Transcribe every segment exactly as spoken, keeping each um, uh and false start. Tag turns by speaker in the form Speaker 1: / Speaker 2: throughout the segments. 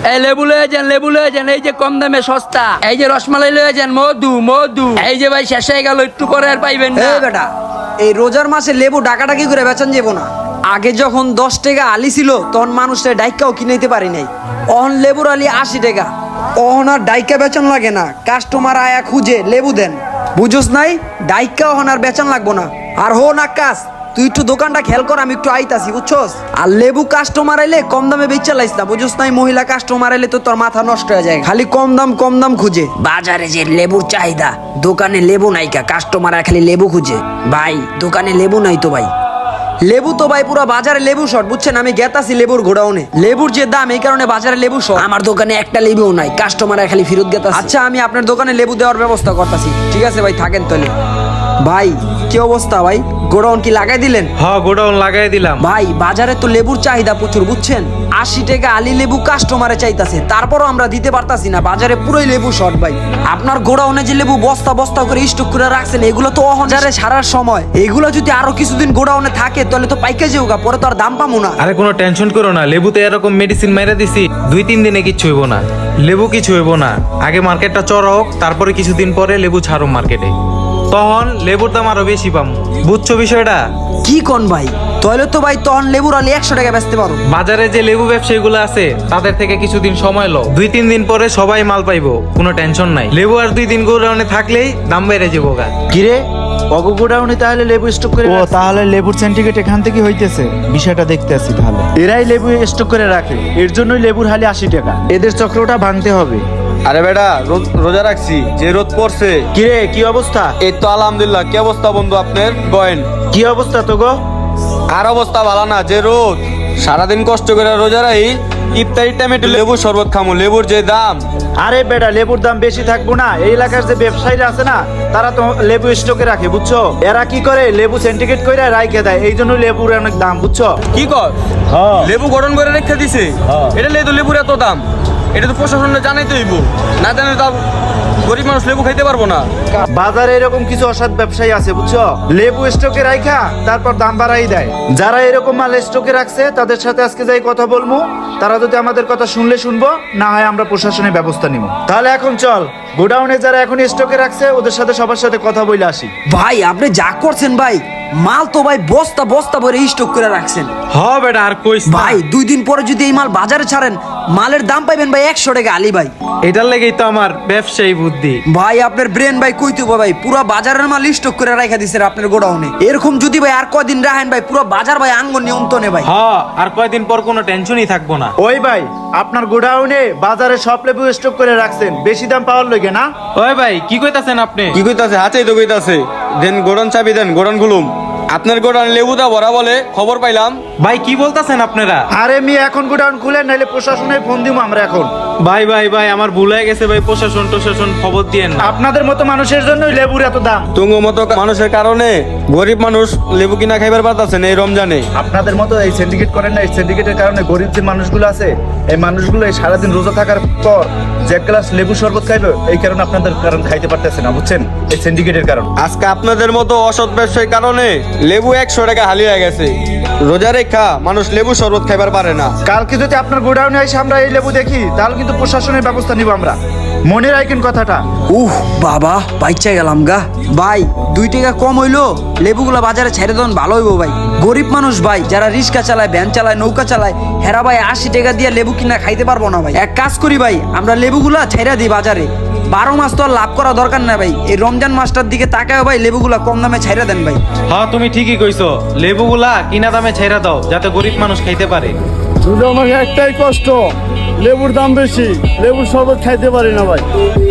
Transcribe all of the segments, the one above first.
Speaker 1: এই লেবু লয়ে যান, লেবু লয়ে যান, এই যে কম দামে সস্তা। এই যে রসমালাই লয়ে যান, মধু মধু। এই যে ভাই শেষ হয়ে গেল, একটু পরে আর পাইবেন না।
Speaker 2: এই বেটা, এই রোজার মাসে লেবু ডাকাডাকি করে বেচন যাবো না। আগে যখন দশ টাকা আলি ছিল তখন মানুষের ডাইকাও কিনাইতে পারি নাই। অহন লেবুর আলি আশি টাকা। অহন আর ডাইকা বেচন লাগে না, কাস্টমার আয়া খুঁজে লেবু দেন। বুঝোস নাই, ডাইকা অহন আর বেচন লাগবো না। আর হো না কাজ, তুই একটু দোকানটা খেয়াল কর, আমি একটু আইতাছি বুঝছস। আর লেবু কাস্টমার আইলে কম দামে বেচা লাইস না, বুঝছস নাই। মহিলা কাস্টমার আইলে তো তোর মাথা নষ্ট হয়ে যায়, খালি কম দাম কম দাম খুঁজে। বাজারে যে লেবুর চাহিদা, দোকানে লেবু নাই কা, কাস্টমার খালি লেবু খুঁজে। ভাই দোকানে লেবু নাই তো ভাই। লেবু তো ভাই পুরো বাজারে লেবু শর্ট, বুঝছেন। আমি গেতাছি লেবুর গোডাউনে, লেবুর যে দাম এই কারণে বাজারে লেবু শর্ট। আমার দোকানে একটা লেবুও নাই, কাস্টমার খালি ফেরত গেতাছে। আচ্ছা আমি আপনার দোকানে লেবু দেওয়ার ব্যবস্থা করতেছি, ঠিক আছে ভাই, থাকেন তাহলে। ভাই কি অবস্থা ভাই, গোডাউন কি লাগাই দিলেন?
Speaker 3: হ্যাঁ গোডাউন লাগাই দিলাম।
Speaker 2: ভাই বাজারে তো লেবুর চাহিদা প্রচুর, বুঝছেন। আশি টাকা আলি লেবু কাস্টমারে চাইতাছে, তারপরও আমরা দিতে পারতাছি না, বাজারে পুরোই লেবু শর্ট ভাই। আপনার গোডাউনে যে লেবু বস্তা বস্তা করে স্টক করে রাখছেন, এগুলো তো অহজারে সারার সময়। এগুলো যদি আরো কিছুদিন গোডাউনে থাকে তাহলে তো পাইকে যাওগা, পরে তো আর দাম পামু না।
Speaker 3: আরে কোনো টেনশন করো না, লেবুতে এরকম মেডিসিন মেরে দিছি, দুই তিন দিনে কিচ্ছু হইব না। লেবু কিছু হইব না, আগে মার্কেটটা চড়া হোক, তারপরে কিছুদিন পরে লেবু ছাড়ো মার্কেটে, তখন লেবুর দাম আরো বেশি পাম। বুঝছো বিষয়টা?
Speaker 2: কি কোন ভাই, তাহলে তো ভাই তখন লেবুর আলি একশো টাকা বেচতে পারো।
Speaker 3: বাজারে যে লেবু ব্যবসায়ীগুলো আছে তাদের থেকে কিছুদিন সময় লো, দুই তিন দিন পরে সবাই মাল পাইবো, কোনো টেনশন নাই। লেবু আর দুই দিন গোডাউনে থাকলেই দাম বেড়ে যাবো গা।
Speaker 4: কিরে অগো গোডাউনে তাহলে লেবু স্টক করে ও তাহলে লেবুর সিন্ডিকেট এখান থেকে হইতেছে, বিষয়টা দেখতে আসি তাহলে। এরাই লেবু স্টক করে রাখে, এর জন্যই লেবুর হালি আশি টাকা। এদের চক্রটা ভাঙতে হবে।
Speaker 5: আরে বেটা রোজা রাখছি, যে রোদ পড়ছে।
Speaker 4: কিরে কি অবস্থা?
Speaker 5: এই তো আলহামদুলিল্লাহ। কি অবস্থা বন্ধু আপনার? বয়েন
Speaker 4: কি অবস্থা তো গো?
Speaker 5: আর অবস্থা ভালো না, যে রোদ। সারাদিন কষ্ট করে রোজা রাখি, ইফতারির টাইমে একটু লেবুর শরবত খামু, লেবুর যে দাম।
Speaker 4: আরে বেটা লেবুর দাম বেশি থাকবো না, এই এলাকার যে ব্যবসায়ীরা আছে না, তারা তো লেবু স্টকে রাখে, বুঝছো। এরা কি করে, লেবু সিন্ডিকেট করে রাইখে দেয়, এই জন্য লেবুর অনেক দাম, বুঝছো।
Speaker 5: কি কর লেবু গঠন করে রেখে দিছে, এটা লেবু লেবুর এত দাম। এটা তো প্রশাসনে জানাইতে হইব, না জানাই তো গরিব মানুষ লেবু খাইতে পারবো না।
Speaker 4: বাজারে এরকম কিছু অসৎ ব্যবসায়ী আছে, বুঝছো। লেবু স্টকে রাখা তারপর দাম বাড়াই দেয়। যারা এরকম মাল স্টকে রাখছে তাদের সাথে আজকে যাই কথা বলবো, তারা যদি আমাদের কথা শুনলে শুনবো, না হয় আমরা প্রশাসনের ব্যবস্থা নিব। তাহলে এখন চল গোডাউনে যারা এখন স্টকে রাখছে ওদের সাথে সবার সাথে কথা বলে আসি।
Speaker 2: ভাই আপনি যা করছেন ভাই, মাল তো ভাই বস্তা বস্তা ভরে স্টক করে রাখছেন।
Speaker 3: হ্যাঁ বেটা আর কইস না।
Speaker 2: ভাই দুই দিন পরে যদি এই মাল বাজারে ছাড়েন, মালের দাম পাইবেন ভাই একশো টাকা আলি ভাই।
Speaker 3: এটার লেগেই তো আমার ব্যবসায়ী বুদ্ধি।
Speaker 2: ভাই আপনার ব্রেন ভাই কইতে ভাই, পুরো বাজারের মাল স্টক করে রাখা দিছে আপনার গোডাউনে। এরকম যদি ভাই আর কয়দিন রাখেন ভাই, পুরো বাজার ভাই আঙ্গ নিয়ন্ত্রণে ভাই।
Speaker 3: হ্যাঁ আর কয়দিন পর কোনো টেনশনই থাকবো না।
Speaker 4: ওই ভাই আপনার গোডাউনে বাজারে সব লেবু স্টক করে রাখছেন, বেশি দাম পাওয়ার লগে না?
Speaker 3: ওই ভাই কি কইতাছেন আপনি?
Speaker 5: কি কইতাছে? হাতেই তো কইতাছে। দেন গোডাউন চাবি দেন, গোডাউন খুলুম। আপনার গোডাউন লেবুটা ভরা বলে খবর পাইলাম।
Speaker 3: ভাই কি বলতাছেন আপনারা?
Speaker 4: আরে মি এখন গোডাউন খুলে নাইলে প্রশাসনে ফোন দিব আমরা এখন।
Speaker 3: ভাই ভাই ভাই আমার ভুল হয়ে গেছে ভাই, প্রশাসন প্রশাসন খবর দিয়েন না।
Speaker 4: আপনাদের মতো মানুষের জন্যই লেবুর এত দাম।
Speaker 5: তুঙ্গ মতো মানুষের কারণে গরিব মানুষ লেবু কিনা খাইবার পারতাছে না এই রমজানে।
Speaker 4: আপনাদের মতো এই সিন্ডিকেট করেন না, এই সিন্ডিকেটের কারণে গরিব যে মানুষগুলো আছে, এই মানুষগুলো এই সারাদিন রোজা থাকার পর যে এক গ্লাস লেবু শরবত খাইবে, এই কারণে আপনাদের কারণ খাইতে পারতেছে না, বুঝছেন, এই সিন্ডিকেটের কারণ।
Speaker 5: আজকে আপনাদের মতো অসৎ ব্যবসায়ীর কারণে লেবু একশো টাকা হালিয়ে হয়ে গেছে। রোজা রেখা মানুষ লেবু শরবত খাইবার পারে না।
Speaker 4: কালকে যদি আপনার গোডাউনে এসে আমরা এই লেবু দেখি, তাহলে কিন্তু প্রশাসনের ব্যবস্থা নিব আমরা, মনে রাখেন কথাটা।
Speaker 2: উহ বাবা বাইচা গেলাম গা। ভাই দুই টাকা কম হইলো, লেবুগুলা বাজারে ছেড়ে দেন ভালো হইব ভাই। গরিব মানুষ ভাই, যারা রিক্সা চালায়, ভ্যান চালায়, নৌকা চালায়, হেরা ভাই আশি টাকা দিয়ে লেবু কিনা খাইতে পারবো না ভাই। এক কাজ করি ভাই, আমরা লেবুগুলা ছেড়ে দিই বাজারে। বারো মাস তো আর লাভ করা দরকার না ভাই, এই রমজান মাসটার দিকে তাকায় ভাই, লেবুগুলা কম দামে ছেড়ে দেন ভাই।
Speaker 3: হ্যাঁ তুমি ঠিকই কইছো, লেবুগুলা কিনা দামে ছেড়ে দাও, যাতে গরিব মানুষ খাইতে পারে।
Speaker 6: শুধু আমাকে একটাই কষ্ট, লেবুর দাম বেশি, লেবুর শরবত খাইতে পারি না ভাই।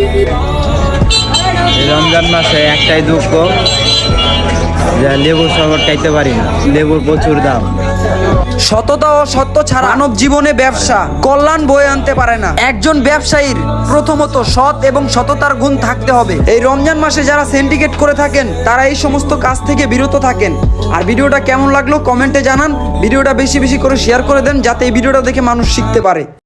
Speaker 7: রমজান মাসে একটাই দুঃখ, যে লেবুর শরবত খাইতে পারি না, লেবুর প্রচুর দাম।
Speaker 2: সততা ও সত্য ছাড়া মানব জীবনে ব্যবসা কল্যাণ বয়ে আনতে পারে না। একজন ব্যবসায়ীর প্রথমত সৎ এবং সততার গুণ থাকতে হবে। এই রমজান মাসে যারা সিন্ডিকেট করে থাকেন, তারা এই সমস্ত কাজ থেকে বিরত থাকেন। আর ভিডিওটা কেমন লাগলো কমেন্টে জানান, ভিডিওটা বেশি বেশি করে শেয়ার করে দেন, যাতে এই ভিডিওটা দেখে মানুষ শিখতে পারে।